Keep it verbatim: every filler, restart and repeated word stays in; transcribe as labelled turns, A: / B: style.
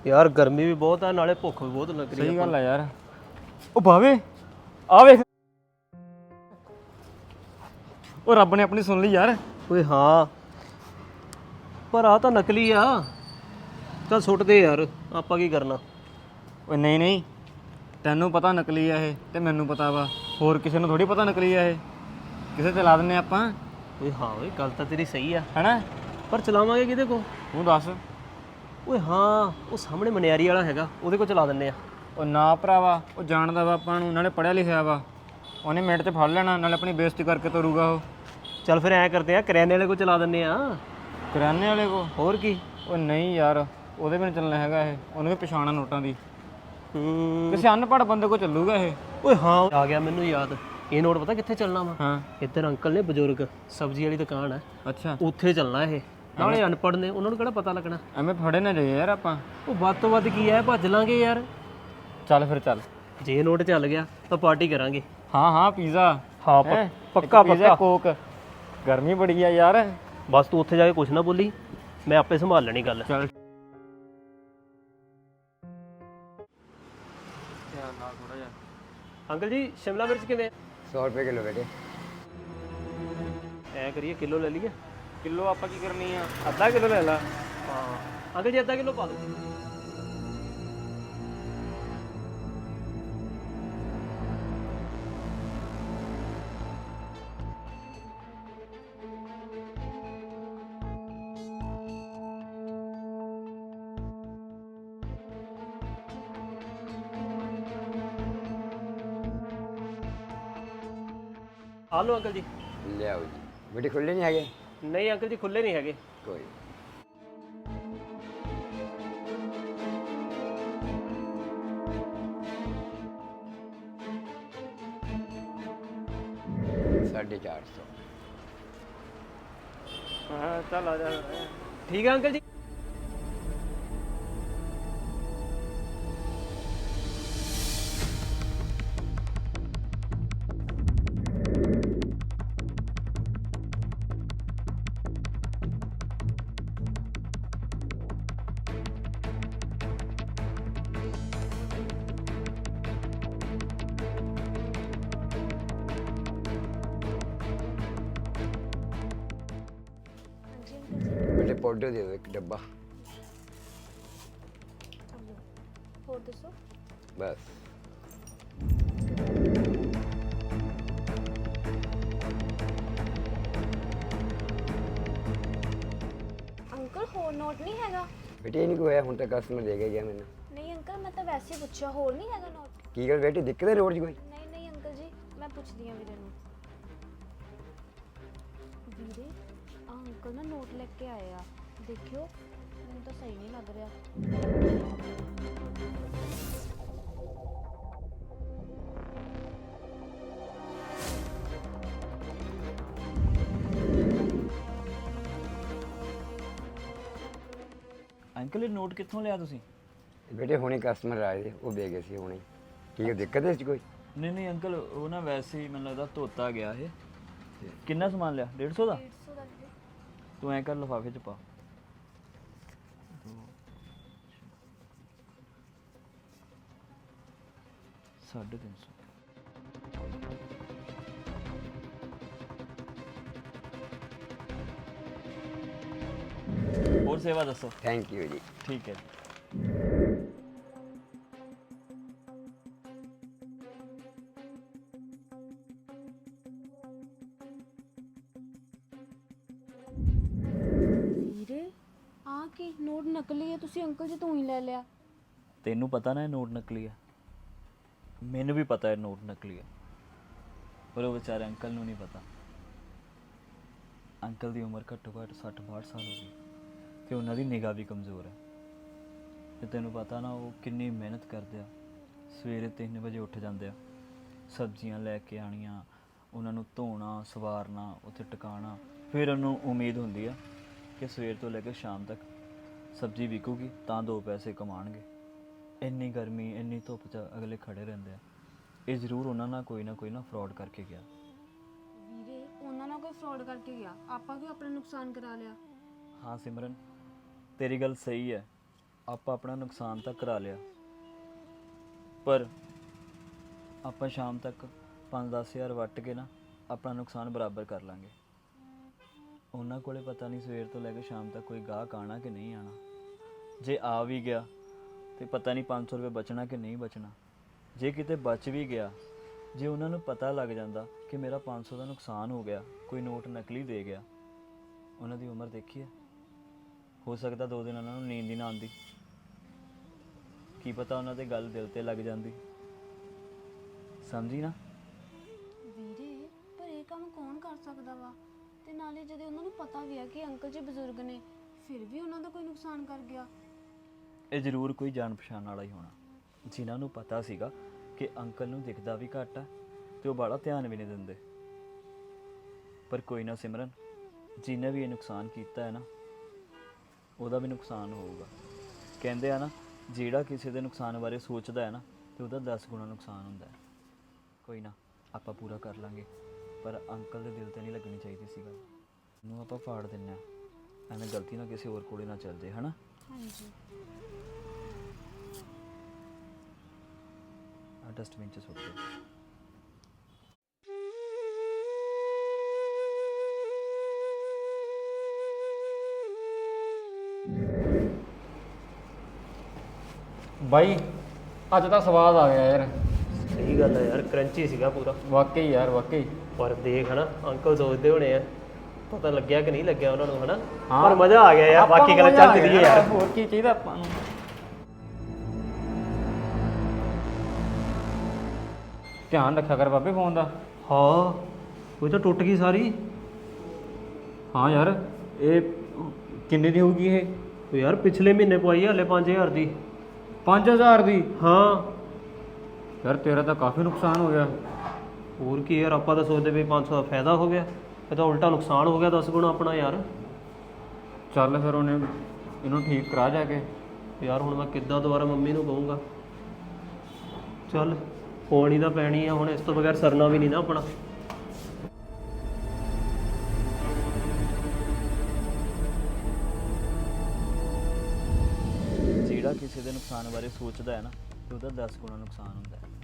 A: ਯਾਰ ਗਰਮੀ ਵੀ ਬਹੁਤ ਆ, ਨਾਲੇ ਭੁੱਖ ਵੀ ਬਹੁਤ ਲੱਗ ਰਹੀ
B: ਸਹੀ ਗੱਲ ਆ ਯਾਰ। ਉਹ ਬਾਵੇ ਆ ਵੇਖ, ਉਹ ਰੱਬ ਨੇ ਆਪਣੀ ਸੁਣ ਲਈ ਯਾਰ।
A: ਓਏ ਹਾਂ, ਪਰ ਆ ਤਾਂ ਨਕਲੀ ਆ। ਚੱਲ ਸੁੱਟ ਦੇ ਯਾਰ, ਆਪਾਂ ਕੀ ਕਰਨਾ।
B: ਓਏ ਨਹੀਂ ਨਹੀਂ, ਤੈਨੂੰ ਪਤਾ ਨਕਲੀ ਆ ਇਹ ਤੇ ਮੈਨੂੰ ਪਤਾ ਵਾ, ਹੋਰ ਕਿਸੇ ਨੂੰ ਥੋੜੀ ਪਤਾ ਨਕਲੀ ਆ ਇਹ। ਕਿਸੇ ਤੇ ਲਾ ਦਿੰਨੇ ਆਪਾਂ।
A: ਓਏ ਹਾਂ ਓਏ, ਗੱਲ ਤਾਂ ਤੇਰੀ ਸਹੀ ਆ,
B: ਹੈਨਾ,
A: ਪਰ ਚਲਾਵਾਂਗੇ ਕਿਹਦੇ ਕੋ?
B: ਤੂੰ ਦੱਸ।
A: ਓਏ ਹਾਂ, ਉਹ ਸਾਹਮਣੇ ਮਨਿਆਰੀ ਵਾਲਾ ਹੈਗਾ, ਉਹਦੇ ਕੋਲ ਚਲਾ ਦਿੰਨੇ ਆ।
B: ਉਹ ਨਾ ਭਰਾਵਾ, ਉਹ ਜਾਣਦਾ ਵਾ ਆਪਾਂ ਨੂੰ, ਨਾਲੇ ਪੜ੍ਹਿਆ ਲਿਖਿਆ ਵਾ, ਉਹਨੇ ਮਿੰਟ 'ਚ ਫੜ ਲੈਣਾ, ਨਾਲੇ ਆਪਣੀ ਬੇਇੱਜ਼ਤੀ ਕਰਕੇ ਤੋਰੂਗਾ ਉਹ।
A: ਚੱਲ ਫਿਰ ਐਂ ਕਰਦੇ ਆ, ਕਰਿਆਨੇ ਵਾਲੇ ਕੋਲ ਚਲਾ ਦਿੰਨੇ ਆ।
B: ਕਰਿਆਨੇ ਵਾਲੇ ਕੋ?
A: ਹੋਰ ਕੀ।
B: ਉਹ ਨਹੀਂ ਯਾਰ, ਉਹਦੇ ਵੀ ਨਹੀਂ ਚੱਲਣਾ ਹੈਗਾ ਇਹ, ਉਹਨੂੰ ਵੀ ਪਛਾਣਾ ਨੋਟਾਂ ਦੀ।
A: ਹੂੰ,
B: ਕਿਸੇ ਅਨਪੜ੍ਹ ਬੰਦੇ ਕੋਲ ਚੱਲੂਗਾ ਇਹ।
A: ਓਏ ਹਾਂ, ਆ ਗਿਆ ਮੈਨੂੰ ਯਾਦ। ਇਹ ਨੋਟ ਪਤਾ ਕਿੱਥੇ ਚੱਲਣਾ ਵਾ?
B: ਹਾਂ,
A: ਇੱਧਰ ਅੰਕਲ ਨੇ ਬਜ਼ੁਰਗ, ਸਬਜ਼ੀ ਵਾਲੀ ਦੁਕਾਨ ਹੈ,
B: ਅੱਛਾ।
A: ਉੱਥੇ ਚੱਲਣਾ ਇਹ। ਨਾਲੇ ਅਨਪੜ੍ਹ ਨੇ, ਉਹਨਾਂ ਨੂੰ ਕਿਹੜਾ ਪਤਾ ਲੱਗਣਾ।
B: ਐਵੇਂ ਫੜੇ ਨਾ ਜਾਈਏ ਯਾਰ ਆਪਾਂ।
A: ਉਹ ਵੱਧ ਤੋਂ ਵੱਧ ਕੀ ਹੈ, ਭੱਜ ਲਾਂਗੇ ਯਾਰ।
B: ਚੱਲ ਫਿਰ ਚੱਲ।
A: ਜੇ ਇਹ ਨੋਟ ਚੱਲ ਗਿਆ ਤਾਂ ਪਾਰਟੀ ਕਰਾਂਗੇ।
B: ਹਾਂ ਹਾਂ, ਪੀਜ਼ਾ।
A: ਹਾਂ
B: ਹੈਂ?
A: ਪੱਕਾ
B: ਇੱਕ ਪੀਜ਼ਾ,
A: ਪੱਕਾ।
B: ਕੋਕ। ਗਰਮੀ ਬੜੀ ਆ ਯਾਰ।
A: ਬਸ ਤੂੰ ਉੱਥੇ ਜਾ ਕੇ ਕੁਛ ਨਾ ਬੋਲੀ, ਮੈਂ ਆਪੇ ਸੰਭਾਲ ਲੈਣੀ ਗੱਲ।
B: ਚੱਲ।
A: ਅੰਕਲ ਜੀ, ਸ਼ਿਮਲਾ ਮਿਰਚ ਕਿਵੇਂ?
C: सौ रुपये किलो बेटे।
A: ਐ ਕਰੀਏ, ਕਿਲੋ ਲੈ ਲਈਏ।
B: ਕਿਲੋ ਆਪਾਂ ਕੀ ਕਰਨੀ ਆ, ਅੱਧਾ ਕਿਲੋ ਲੈ ਲਾ।
A: ਹਾਂ ਅੰਕਲ ਜੀ, ਅੱਧਾ ਕਿਲੋ ਪਾ ਦਿਓ। ਆ ਲਓ ਅੰਕਲ ਜੀ।
C: ले आओ जी बेटे, खुले नहीं है?
A: ਨਹੀਂ ਅੰਕਲ ਜੀ, ਖੁੱਲੇ ਨਹੀਂ ਹੈਗੇ।
C: कोई साढ़े चार सौ।
B: ਹਾਂ ਚੱਲ ਆ ਜਾ।
A: ਠੀਕ ਹੈ ਅੰਕਲ ਜੀ।
C: बेटे पाउडर दे दो एक डब्बा
D: ਹੋਰ ਦੱਸੋ।
C: बस।
D: ਅੰਕਲ ਹੋਰ ਨੋਟ ਨਹੀਂ ਹੈਗਾ?
C: बेटे इनको है हूँ तक कस्टमर देगा गया मैंने।
D: ਨਹੀਂ ਅੰਕਲ, ਮੈਂ ਤਾਂ ਵੈਸੇ ਹੀ ਪੁੱਛਿਆ, ਹੋਰ ਨਹੀਂ ਹੈਗਾ ਨੋਟ?
C: की गल बेटे, दिक्कत है रोड च कोई?
D: ਨਹੀਂ ਨਹੀਂ ਅੰਕਲ ਜੀ, ਮੈਂ ਪੁੱਛਦੀ ਹਾਂ ਵੀਰੇ ਨੂੰ। ਵੀਰੇ, ਆ ਅੰਕਲ ਨਾ ਨੋਟ ਲੈ ਕੇ ਆਏ ਆ, ਦੇਖਿਓ, ਮੈਨੂੰ ਤਾਂ ਸਹੀ ਨਹੀਂ ਲੱਗ ਰਿਹਾ।
B: ਅੰਕਲ ਇਹ ਨੋਟ ਕਿੱਥੋਂ ਲਿਆ ਤੁਸੀਂ?
C: बेटे हुणे कस्टमर आए थे, वो दे गए थे हुणे। की गल दिक्कत है इसच कोई?
E: ਨਹੀਂ ਨਹੀਂ ਅੰਕਲ, ਉਹ ਨਾ ਵੈਸੇ ਹੀ ਮੈਨੂੰ ਲੱਗਦਾ ਧੋਤਾ ਗਿਆ ਇਹ। ਕਿੰਨਾ ਸਮਾਨ ਲਿਆ? ਡੇਢ ਸੌ ਦਾ?
D: ਡੇਢ ਸੌ ਦਾ ਵੀਰੇ।
E: ਤੂੰ ਐਂ ਕਰ, ਲਿਫਾਫੇ 'ਚ ਪਾ। ਸਾਢੇ ਤਿੰਨ ਸੌ। ਹੋਰ ਸੇਵਾ ਦੱਸੋ।
C: Thank you ji.
E: ਠੀਕ ਹੈ।
D: ਵੀਰੇ, ਆ ਕੀ ਨੋਟ ਨਕਲੀ ਹੈ? ਤੁਸੀਂ ਅੰਕਲ ਜੀ ਤੂੰ ਹੀ ਲੈ ਲਿਆ।
E: ਤੈਨੂੰ ਪਤਾ ਨਾ ਇਹ ਨੋਟ ਨਕਲੀ ਆ। ਮੈਨੂੰ ਵੀ ਪਤਾ ਇਹ ਨੋਟ ਨਕਲੀ ਆ, ਪਰ ਉਹ ਵਿਚਾਰੇ ਅੰਕਲ ਨੂੰ ਨਹੀਂ ਪਤਾ। ਅੰਕਲ ਦੀ ਉਮਰ ਘੱਟੋ ਘੱਟ ਸੱਠ ਬਾਹਠ ਸਾਲ ਹੋ ਗਈ ਤੇ ਉਹਨਾਂ ਦੀ ਨਿਗਾਹ ਵੀ ਕਮਜ਼ੋਰ ਹੈ। ਤੇ ਤੈਨੂੰ ਪਤਾ ਨਾ ਉਹ ਕਿੰਨੀ ਮਿਹਨਤ ਕਰਦੇ ਆ। ਸਵੇਰੇ ਤਿੰਨ ਵਜੇ ਉੱਠ ਜਾਂਦੇ ਆ, ਸਬਜ਼ੀਆਂ ਲੈ ਕੇ ਆਉਣੀਆਂ, ਉਹਨਾਂ ਨੂੰ ਧੋਣਾ, ਸਵਾਰਨਾ, ਉੱਥੇ ਟਿਕਾਣਾ। ਫਿਰ ਉਹਨੂੰ ਉਮੀਦ ਹੁੰਦੀ ਆ ਕਿ ਸਵੇਰ ਤੋਂ ਲੈ ਕੇ ਸ਼ਾਮ ਤੱਕ ਸਬਜ਼ੀ ਵਿਕੂਗੀ ਤਾਂ ਦੋ ਪੈਸੇ ਕਮਾਉਣਗੇ। ਇੰਨੀ ਗਰਮੀ, ਇੰਨੀ ਧੁੱਪ 'ਚ ਅਗਲੇ ਖੜੇ ਰਹਿੰਦੇ ਆ। ਇਹ ਜ਼ਰੂਰ ਉਹਨਾਂ ਨਾਲ ਕੋਈ ਨਾ ਕੋਈ ਨਾ ਫਰਾਡ ਕਰਕੇ ਗਿਆ।
D: ਵੀਰੇ, ਉਹਨਾਂ ਨਾਲ ਕੋਈ ਫਰਾਡ ਕਰਕੇ ਗਿਆ, ਆਪਾਂ ਕਿਉਂ ਆਪਣਾ ਨੁਕਸਾਨ ਕਰਾ ਲਿਆ?
E: ਹਾਂ ਸਿਮਰਨ, ਤੇਰੀ ਗੱਲ ਸਹੀ ਹੈ, ਆਪਾਂ ਆਪਣਾ ਨੁਕਸਾਨ ਤਾਂ ਕਰਾ ਲਿਆ, ਪਰ ਆਪਾਂ ਸ਼ਾਮ ਤੱਕ ਪੰਜ ਦਸ ਹਜ਼ਾਰ ਵੱਟ ਕੇ ਨਾ ਆਪਣਾ ਨੁਕਸਾਨ ਬਰਾਬਰ ਕਰ ਲਾਂਗੇ। ਉਹਨਾਂ ਕੋਲੇ ਪਤਾ ਨਹੀਂ ਸਵੇਰ ਤੋਂ ਲੈ ਕੇ ਸ਼ਾਮ ਤੱਕ ਕੋਈ ਗਾਹਕ ਆਣਾ ਕਿ ਨਹੀਂ ਆਣਾ। ਜੇ ਆ ਵੀ ਗਿਆ ਤੇ ਪਤਾ ਨਹੀਂ ਪੰਜ ਸੌ ਰੁਪਏ ਬਚਣਾ ਕਿ ਨਹੀਂ ਬਚਣਾ। ਜੇ ਕਿਤੇ ਬਚ ਵੀ ਗਿਆ, ਜੇ ਉਹਨਾਂ ਨੂੰ ਪਤਾ ਲੱਗ ਜਾਂਦਾ ਕਿ ਮੇਰਾ ਪੰਜ ਸੌ ਦਾ ਨੁਕਸਾਨ ਹੋ ਗਿਆ, ਕੋਈ ਨੋਟ ਨਕਲੀ ਦੇ ਗਿਆ, ਉਹਨਾਂ ਦੀ ਉਮਰ ਦੇਖੀ ਹੈ। ਹੋ ਸਕਦਾ ਦੋ ਦਿਨ ਉਹਨਾਂ ਨੂੰ ਨੀਂਦ ਹੀ ਨਾ ਆਉਂਦੀ। ਕੀ ਪਤਾ ਉਹਨਾਂ ਦੇ ਗੱਲ ਦਿਲ ਤੇ ਲੱਗ ਜਾਂਦੀ। ਸਮਝੀ ਨਾ?
D: ਵੀਰੇ ਪਰ ਇਹ ਕੰਮ ਕੌਣ ਕਰ ਸਕਦਾ ਵਾ? ਤੇ ਨਾਲੇ ਜਦੋਂ ਉਹਨਾਂ ਨੂੰ ਪਤਾ ਵੀ ਆ ਕਿ ਅੰਕਲ ਜੀ ਬਜ਼ੁਰਗ ਨੇ, ਫਿਰ ਵੀ ਉਹਨਾਂ ਦਾ ਕੋਈ ਨੁਕਸਾਨ ਕਰ ਗਿਆ।
E: ਇਹ ਜ਼ਰੂਰ ਕੋਈ ਜਾਣ ਪਛਾਣ ਵਾਲਾ ਹੀ ਹੋਣਾ, ਜਿਨ੍ਹਾਂ ਨੂੰ ਪਤਾ ਸੀਗਾ ਕਿ ਅੰਕਲ ਨੂੰ ਦਿਖਦਾ ਵੀ ਘੱਟ ਆ ਤੇ ਉਹ ਬੜਾ ਧਿਆਨ ਵੀ ਨਹੀਂ ਦਿੰਦੇ। ਪਰ ਕੋਈ ਨਾ ਸਿਮਰਨ, ਜਿਹਨੇ ਵੀ ਇਹ ਨੁਕਸਾਨ ਕੀਤਾ ਹੈ ਨਾ, ਉਹਦਾ ਵੀ ਨੁਕਸਾਨ ਹੋਊਗਾ। ਕਹਿੰਦੇ ਆ ਨਾ, ਜਿਹੜਾ ਕਿਸੇ ਦੇ ਨੁਕਸਾਨ ਬਾਰੇ ਸੋਚਦਾ ਹੈ ਨਾ ਤੇ ਉਹਦਾ ਦਸ ਗੁਣਾ ਨੁਕਸਾਨ ਹੁੰਦਾ ਹੈ। ਕੋਈ ਨਾ, ਆਪਾਂ ਪੂਰਾ ਕਰ ਲਾਂਗੇ, ਪਰ ਅੰਕਲ ਦੇ ਦਿਲ ਤੇ ਨਹੀਂ ਲੱਗਣੀ ਚਾਹੀਦੀ ਸੀ ਗੱਲ। ਇਹਨੂੰ ਆਪਾਂ ਫਾੜ ਦਿੰਦੇ ਹਾਂ, ਐਵੇਂ ਗਲਤੀ ਨਾਲ ਕਿਸੇ ਹੋਰ ਕੋਲੇ ਨਾ ਚੱਲ ਜੇ, ਹਨਾ?
D: ਹਾਂਜੀ।
E: ਆ ਡਸਟਬਿਨ 'ਚ ਸੁੱਟ ਦਿਓ।
B: ਬਾਈ ਅੱਜ ਤਾਂ ਸਵਾਦ ਆ ਗਿਆ ਯਾਰ।
A: ਸਹੀ ਗੱਲ ਹੈ ਯਾਰ, ਕਰੰਚੀ ਸੀਗਾ ਪੂਰਾ।
B: ਵਾਕਈ ਯਾਰ ਵਾਕਈ।
A: ਪਰ ਦੇਖ ਹਨਾ, ਅੰਕਲ ਸੋਚਦੇ ਹੋਣੇ ਆ ਪਤਾ ਲੱਗਿਆ ਕਿ ਨਹੀਂ ਲੱਗਿਆ ਉਹਨਾਂ ਨੂੰ, ਹਨਾ?
B: ਹਾਂ।
A: ਪਰ ਮਜ਼ਾ ਆ ਗਿਆ ਯਾਰ,
B: ਆਪਾਂ
A: ਬਾਕੀ
B: ਨੂੰ
A: ਗੱਲ
B: ਮਜ਼ਾ
A: ਚੱਲ
B: ਆ
A: ਰਹੀ
B: ਗਿਆ
A: ਹੈ ਯਾਰ।
B: ਹੋਰ ਕੀ ਚਾਹੀਦਾ ਆਪਾਂ ਨੂੰ। ਧਿਆਨ ਰੱਖਿਆ ਕਰ ਬਾਬੇ ਫੋਨ ਦਾ।
A: ਹਾਂ, ਕੋਈ ਤਾਂ ਟੁੱਟ ਗਈ ਸਾਰੀ।
B: ਹਾਂ ਯਾਰ, ਇਹ ਕਿੰਨੇ ਦੀ ਹੋਊਗੀ ਇਹ?
A: ਉਹ ਯਾਰ ਪਿਛਲੇ ਮਹੀਨੇ ਪਵਾਈ ਹਲੇ ਪੰਜ ਹਜ਼ਾਰ ਦੀ।
B: ਪੰਜ ਹਜ਼ਾਰ ਦੀ?
A: ਹਾਂ
B: ਯਾਰ ਤੇਰਾ ਤਾਂ ਕਾਫੀ ਨੁਕਸਾਨ ਹੋ ਗਿਆ।
A: ਹੋਰ ਕੀ ਯਾਰ, ਆਪਾਂ ਤਾਂ ਸੋਚਦੇ ਵੀ ਪੰਜ ਸੌ ਦਾ ਫਾਇਦਾ ਹੋ ਗਿਆ, ਇਹ ਤਾਂ ਉਲਟਾ ਨੁਕਸਾਨ ਹੋ ਗਿਆ ਦਸ ਗੁਣਾ ਆਪਣਾ ਯਾਰ।
B: ਚੱਲ ਫਿਰ ਉਹਨੇ ਇਹਨੂੰ ਠੀਕ ਕਰਾ ਜਾ ਕੇ।
A: ਯਾਰ ਹੁਣ ਮੈਂ ਕਿੱਦਾਂ ਦੁਬਾਰਾ ਮੰਮੀ ਨੂੰ ਕਹੂੰਗਾ? ਚੱਲ ਪਾਣੀ ਤਾਂ ਪੈਣੀ ਆ ਹੁਣ, ਇਸ ਤੋਂ ਬਗੈਰ ਸਰਨਾ ਵੀ ਨਹੀਂ ਨਾ ਆਪਣਾ।
E: ਜਿਹੜਾ ਕਿਸੇ ਦੇ ਨੁਕਸਾਨ ਬਾਰੇ ਸੋਚਦਾ ਹੈ ਨਾ ਤੇ ਉਹਦਾ ਦਸ ਗੁਣਾ ਨੁਕਸਾਨ ਹੁੰਦਾ ਹੈ।